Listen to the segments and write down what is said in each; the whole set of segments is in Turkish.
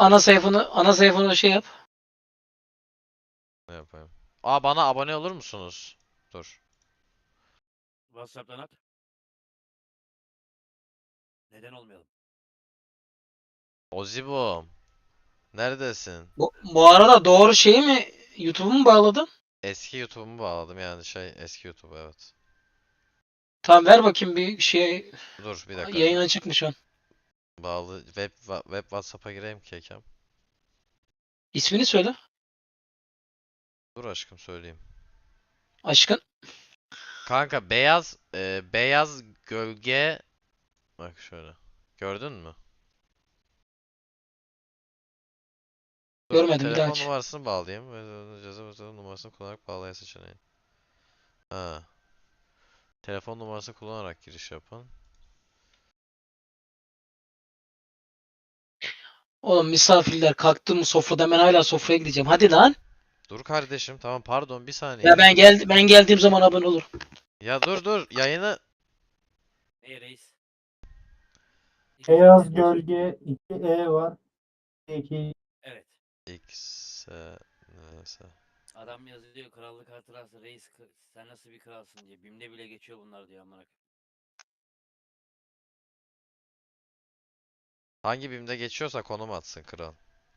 ana sayfanı şey yap. Ne yapayım? Aa, bana abone olur musunuz? Dur. WhatsApp'tan at. Neden olmayalım? Ozibom. Neredesin? Bu arada doğru şeyi mi YouTube'u mu bağladın? Eski YouTube'umu bağladım, yani eski YouTube, evet. Tamam ver bakayım bir şey. Dur bir dakika. Yayına çıkmış şu an. Web WhatsApp'a gireyim ki Ekem. İsmini söyle. Dur aşkım, söyleyeyim. Aşkın. Kanka, beyaz gölge, bak şöyle. Gördün mü? Dur, Görmedim, bir daha telefon aç. numarasını bağlayayım. Ceza numarasını kullanarak bağlaya seçeneği. Ha. Telefon numarası kullanarak giriş yapın. Oğlum misafirler kalktı mı sofrada, ben hala sofraya gideceğim. Hadi lan. Dur kardeşim, tamam, pardon, bir Ya saniye. ben geldiğim zaman abone olurum. Ya dur yayını. Hey reis. Beyaz gölge 2 E var. 2 Evet. X neyse. Adam yazıyor krallık hatırası reis sen nasıl bir kralsın diye. BİM'de bile geçiyor bunlar diyor amına. Hangi BİM'de geçiyorsa konum atsın kral.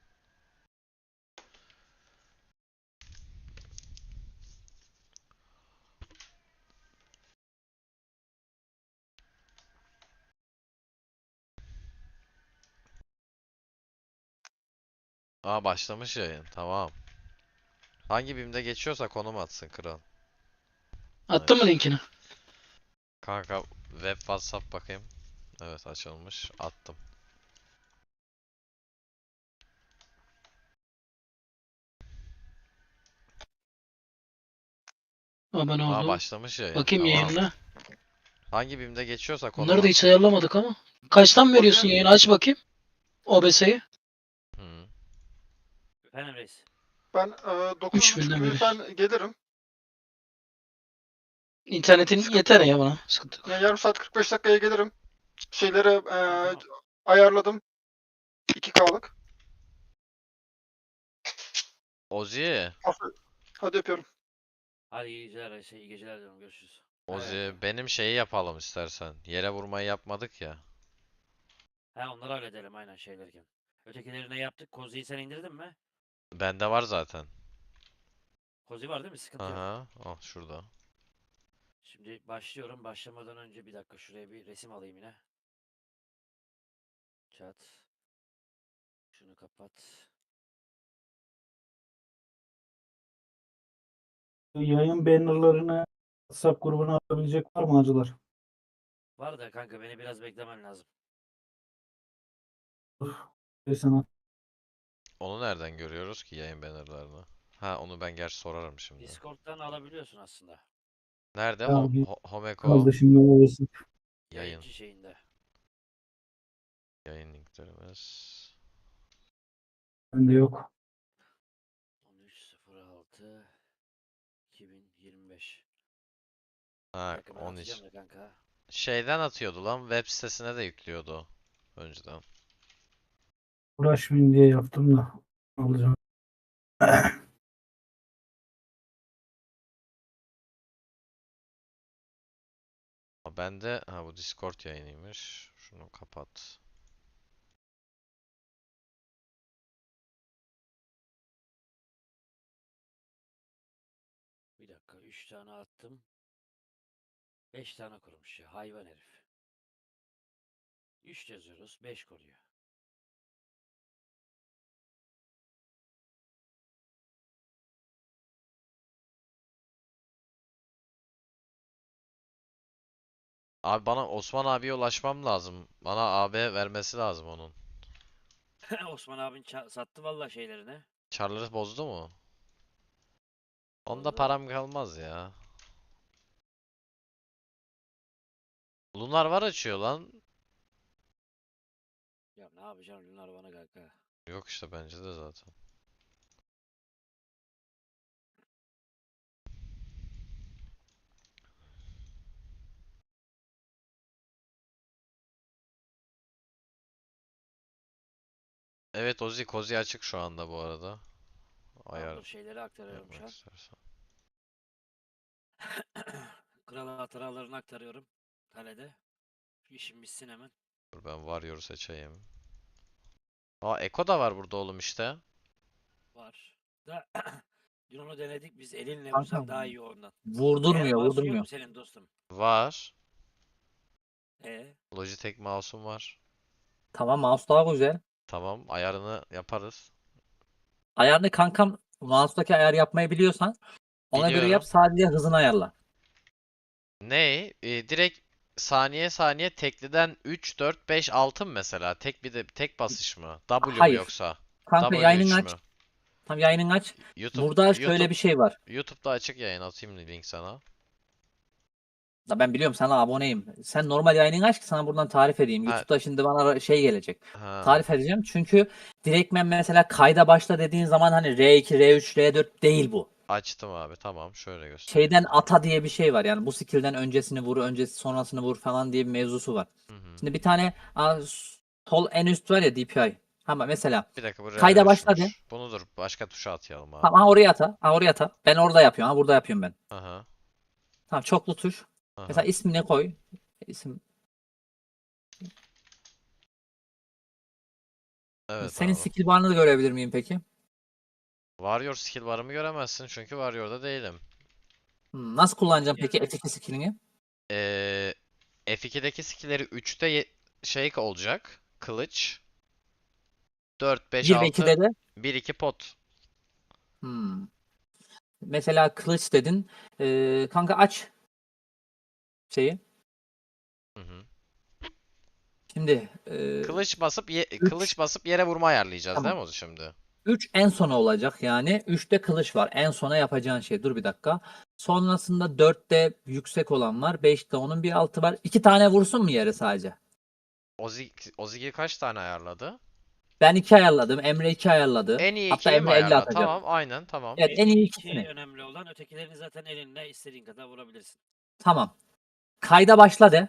Aa, başlamış yayın, tamam. Hangi BİM'de geçiyorsa konum atsın kral. Attın mı linkini? Kanka, web WhatsApp bakayım. Evet, açılmış. Attım. Abone Aa, oldum. başlamış yayın. Bakayım Tamam. yayınına. Hangi BİM'de geçiyorsa konum Bunları da hiç atsın. ayarlamadık ama. Kaçtan veriyorsun Ozi, yayını? Aç bakayım. OBS'yi. Hı. Efendim reis. ben 9.30 3000'den gibi veriyorsun. falan gelirim. İnternetin Sıkıntı yeter yok. ya bana. Sıkıntı yok. Yani yarım saat 45 dakikaya gelirim. Şeyleri Tamam. ayarladım. 2K'lık. Ozi. Hadi öpüyorum. Hadi iyi geceler reis. İyi geceler diyorum. Görüşürüz. Ozi, benim şeyi yapalım istersen. Yere vurmayı yapmadık ya. He onları halledelim aynen şeylerken. Ötekileri ne yaptık? Kozi'yi sen indirdin mi? Bende var zaten. Kozi var değil mi? Sıkıntı yok. Aha. Al şurada. Şimdi başlıyorum. Başlamadan önce bir dakika şuraya bir resim alayım yine. Chat. Şunu kapat. yayın bannerlarını WhatsApp grubuna atabilecek var mı acılar? Var da kanka beni biraz beklemen lazım. Ve sana Onu nereden görüyoruz ki yayın bannerlarını? Ha, onu ben gerçi sorarım şimdi. Discord'dan alabiliyorsun aslında. Nerede? ya bir Homeko kaldı şimdi orası. yayın. Yayıncı şeyinde. Yayın linklerimiz. Bende yok. 13.06 2025. Bir Ha, dakika ben 13. atacağım da kanka. Şeyden atıyordu lan. Web sitesine de yüklüyordu o. Önceden. Uğraşmayayım diye yaptım da alacağım. Bende ha, bu Discord yayınıymış. Şunu kapat. Bir dakika 3 tane attım. 5 tane kurmuş ya hayvan herif. 3 yazıyoruz 5 koruyor. Abi, bana Osman abiye ulaşmam lazım. Bana AB vermesi lazım onun. Osman abin sattı valla şeylerini. Çarları bozdu mu? Onda Bozdu. param kalmaz ya. Lunar var açıyor lan. Ya ne yapacağım Lunar bana kanka. Yok işte, bence de zaten. Evet Ozi, Kozi açık şu anda bu arada. Ayar Dur şeyleri aktarıyorum şu yapmak an. istersen. Kral hatıralarını aktarıyorum. Kalede. Şu işim bitsin hemen. Dur ben Warrior seçeyim. Aa Eko da var burada oğlum işte. Var. Da dün onu denedik biz elinle Kanka, vursan daha iyi ondan. Eğer Vurdurmuyor, mouse'un yok vurdurmuyor. mu senin dostum? Var. E Logitech mouse'um var. Tamam, mouse daha güzel. Tamam, ayarını yaparız. Ayarını kankam, mouse'daki ayar yapmayı biliyorsan ona göre yap, Biliyorum. sadece hızını ayarla. Ne? Direkt saniye saniye tekliden 3, 4, 5, 6 mı mesela? Tek bir de tek basış mı? W mu Hayır. yoksa? Kanka yayının W3 aç. mü? Tam yayının aç. YouTube Burada şöyle YouTube bir şey var. YouTube'da açık yayın atayım link sana. Da ben biliyorum, sana aboneyim. Sen normal yayını aç ki sana buradan tarif edeyim. Ha, YouTube'da şimdi bana şey gelecek. ha. Tarif edeceğim. Çünkü direktmen mesela kayda başla dediğin zaman hani R2, R3, R4 değil bu. Açtım abi. Tamam, şöyle göstereyim Şeyden sana. ata diye bir şey var. Yani bu skill'den öncesini vur, öncesi sonrasını vur falan diye bir mevzusu var. Hı hı. Şimdi bir tane sol en üst var ya, DPI. Ama mesela Bir dakika bu kayda başladı. R3'müş. Bunu dur başka tuşa atayalım abi. Tamam, ha oraya ata. Ha oraya ata. Ben orada yapıyorum. Ha burada yapıyorum ben. Aha. Tamam, çoklu tuş. Mesela Aha. ismini koy. İsim. Evet Senin abi. skill barını da görebilir miyim peki? Warrior skill barımı göremezsin çünkü Warrior'da değilim. Nasıl kullanacağım peki F2 skillini? F2'deki skill'leri 3'te şey olacak. Kılıç. 4, 5, 1 ve 6, 2'de de 1, 2 pot. hmm. Mesela kılıç dedin. Kanka aç şeyi. Hı hı. Şimdi Kılıç basıp yere vurma ayarlayacağız değil tamam. mi o şimdi? 3 en sona olacak yani. 3'te kılıç var. En sona yapacağın şey. Dur bir dakika. Sonrasında 4'te yüksek olan var. 5'te onun bir altı var. 2 tane vursun mu yere sadece? Ozigi kaç tane ayarladı? Ben 2 ayarladım. Emre 2 ayarladı. En iyi Hatta ikili mi Emre 50 ayarla? atacak. Tamam, aynen tamam. Evet, en iyi iki ikisini. önemli olan, ötekilerini zaten elinle istediğin kadar vurabilirsin. Tamam. Kayda başla de.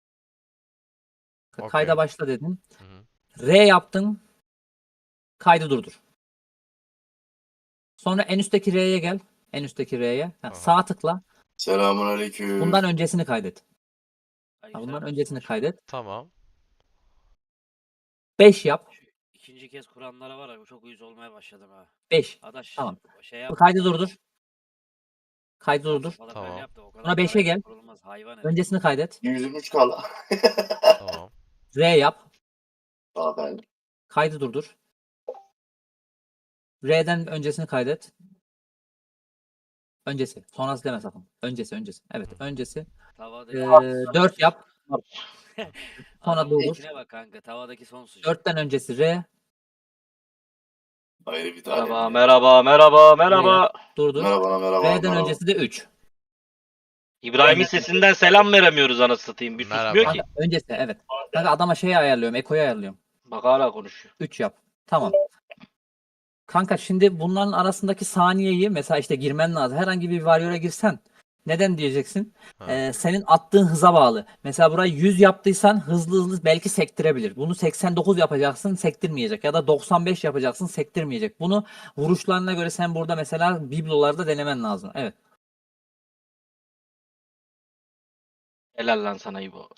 Okey. Kayda başla dedin. Hı hı. R yaptın. Kaydı durdur. Sonra en üstteki R'ye gel. En üstteki R'ye. Ha, Aha. sağ tıkla. Selamünaleyküm. Bundan öncesini kaydet. Ha, bundan Aleykümselam öncesini dostum, hoş kaydet. Tamam. 5 yap. Şu ikinci kez kuranlara var ya, çok uyuz olmaya başladım ha. 5. Adaş Tamam. şey Bu yap. kaydı durdur. Kaydı Sağ durdur. sopalarını öyle Tamam. yap da o kadar Sonra 5'e parayla gel. kurulmaz hayvan herif. Öncesini kaydet. 123 kala. Tamam. R yap. Zaten Kaydı durdur. R'den öncesini kaydet. Öncesi. Sonrası deme sakın. Öncesi. Evet, öncesi. Tavadaki 4 yap. Sonra adamın durdur. ekine bak kanka, tavadaki son sucuk. 4'ten öncesi R. ayrı bir tane. Merhaba, merhaba, merhaba, R merhaba. yap. Durdur. Merhaba, merhaba, R'den merhaba. öncesi de 3. İbrahim'in sesinden selam veremiyoruz anasını satayım. Bir susmuyor Merhaba. ki. Kanka öncesi evet. Kanka adama şeyi ayarlıyorum. Eko'yu ayarlıyorum. Bak hala konuşuyor. 3 yap. Tamam. Kanka şimdi bunların arasındaki saniyeyi mesela işte girmen lazım. Herhangi bir varyoya girsen. Neden diyeceksin? Ha. Senin attığın hıza bağlı. Mesela burayı 100 yaptıysan hızlı hızlı belki sektirebilir. Bunu 89 yapacaksın, sektirmeyecek. Ya da 95 yapacaksın, sektirmeyecek. Bunu vuruşlarına göre sen burada mesela biblolarda denemen lazım. Evet. Helal lan sana İbo.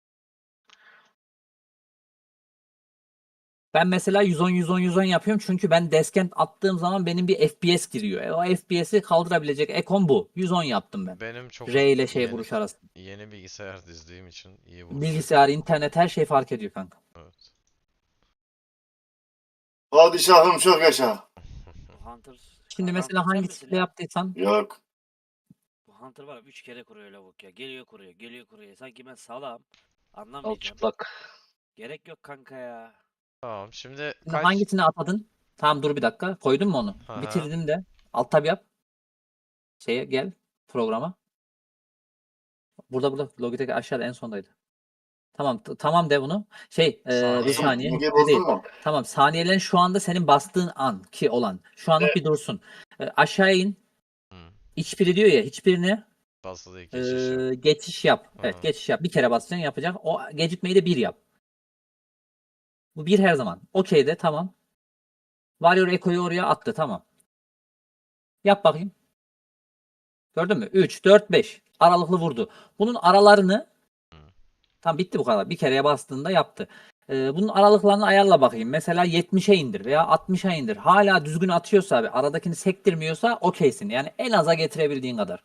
Ben mesela 110 yapıyorum çünkü ben deskent attığım zaman benim bir FPS giriyor. O FPS'i kaldırabilecek ekon bu. 110 yaptım ben. Benim çok R ile şey yeni, vuruş arası. yeni bilgisayar dizdiğim için iyi vuruş. Bilgisayar, internet her şey fark ediyor kanka. Evet. Padişahım çok yaşa. Bu Hunter. Şimdi mesela Hunter sen hangi misin skill ya? yaptıysan Yok. Bu Hunter var ya, 3 kere kuruyor lavuk ya. Geliyor kuruyor, geliyor kuruyor. Sanki ben salam. Al Anlamayacağım. çıplak. Gerek yok kanka ya. Tamam. Şimdi şimdi hangisini atadın? Tamam, dur bir dakika. Koydun mu onu? Aha. Bitirdim de. Alt tab yap. Şeye gel. Programa. Burada. Logitech aşağıda en sondaydı. Tamam. Tamam de bunu. Bir Saniye. saniye. Denge Öyle değil. bozdun mu? Tamam. Saniyelerin şu anda senin bastığın an ki olan. Şu anlık bir dursun. Aşağı in. Hı. Hiçbiri diyor ya. Hiçbirine Basılı geçiş yap. geçiş yap. Evet, Aha. geçiş yap. Bir kere basacaksın, yapacak. O gecikmeyi de 1 yap. Bu 1 her zaman. Okey de tamam. Warrior Echo'yu oraya attı. Tamam. Yap bakayım. Gördün mü? 3, 4, 5. Aralıklı vurdu. Bunun aralarını tam bitti bu kadar. Bir kereye bastığında yaptı. Bunun aralıklarını ayarla bakayım. Mesela 70'e indir veya 60'a indir. Hala düzgün atıyorsa abi, aradakini sektirmiyorsa okeysin. Yani en aza getirebildiğin kadar.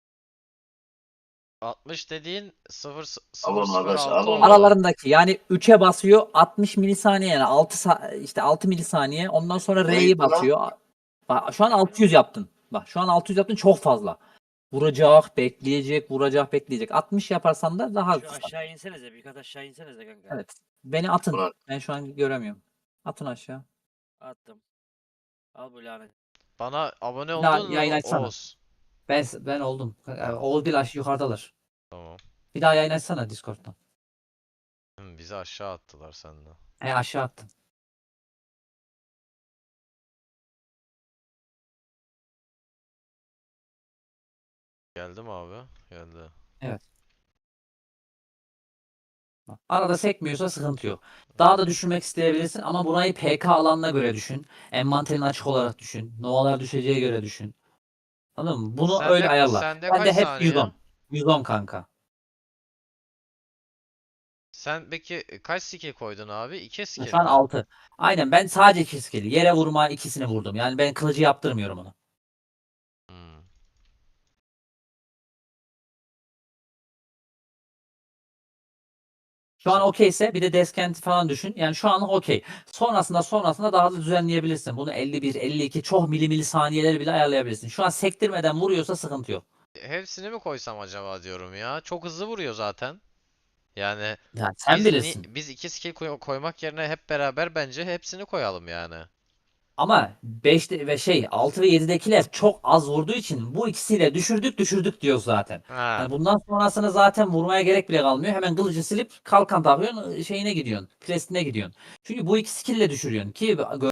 60 dediğin 0 Aman 0 arkadaş, 6 aman. oldu. Aralarındaki yani 3'e basıyor 60 milisaniye, yani 6 milisaniye. Ondan sonra Ne R'yi gitti lan? basıyor. Bak, şu an 600 yaptın. Bak şu an 600 yaptın, çok fazla. Vuracak, bekleyecek, vuracak, bekleyecek. 60 yaparsan da daha Şu kısa. aşağı insenize. Bir kat aşağı insenize kanka. Evet. Beni atın. Ulan. Ben şu an göremiyorum. Atın aşağı. Attım. Al bu lanet. Bana abone daha oldun yayın mu açsana. Oğuz? Ben oldum. Oğuz bir yukarıdalar. Tamam. Bir daha yayın açsana Discord'dan. Bizi aşağı attılar senden. Aşağı attım. Geldi mi abi? Geldi. Bak, arada sekmiyorsa sıkıntı yok. Daha da düşürmek isteyebilirsin ama burayı PK alanına göre düşün. Envanterin açık olarak düşün. Novalar düşeceğe göre düşün. Anladın mı? Bunu Sende- öyle ayarla. sende Ben de kaç hep saniye? 110. 110 kanka. Sen peki kaç skill koydun abi? 2 skill Şu an mi? 6. Aynen, ben sadece 2 skill. Yere vurma ikisini vurdum. Yani ben kılıcı yaptırmıyorum onu. Hmm. Şu an okeyse bir de deskent falan düşün. Yani şu an okey. Sonrasında daha da düzenleyebilirsin. Bunu 51, 52 çok milisaniyeleri bile ayarlayabilirsin. Şu an sektirmeden vuruyorsa sıkıntı yok. Hepsini mi koysam acaba diyorum ya. Çok hızlı vuruyor zaten. Yani Yani sen biz, bilirsin. biz 2 skill koymak yerine hep beraber bence hepsini koyalım yani. Ama 5'te ve 6 ve 7'dekiler çok az vurduğu için bu ikisiyle düşürdük diyor zaten. Ha. Yani bundan sonrasını zaten vurmaya gerek bile kalmıyor. Hemen kılıcı silip kalkan takıyorsun, şeyine gidiyorsun. Presine gidiyorsun. Çünkü bu iki skill'le düşürüyorsun ki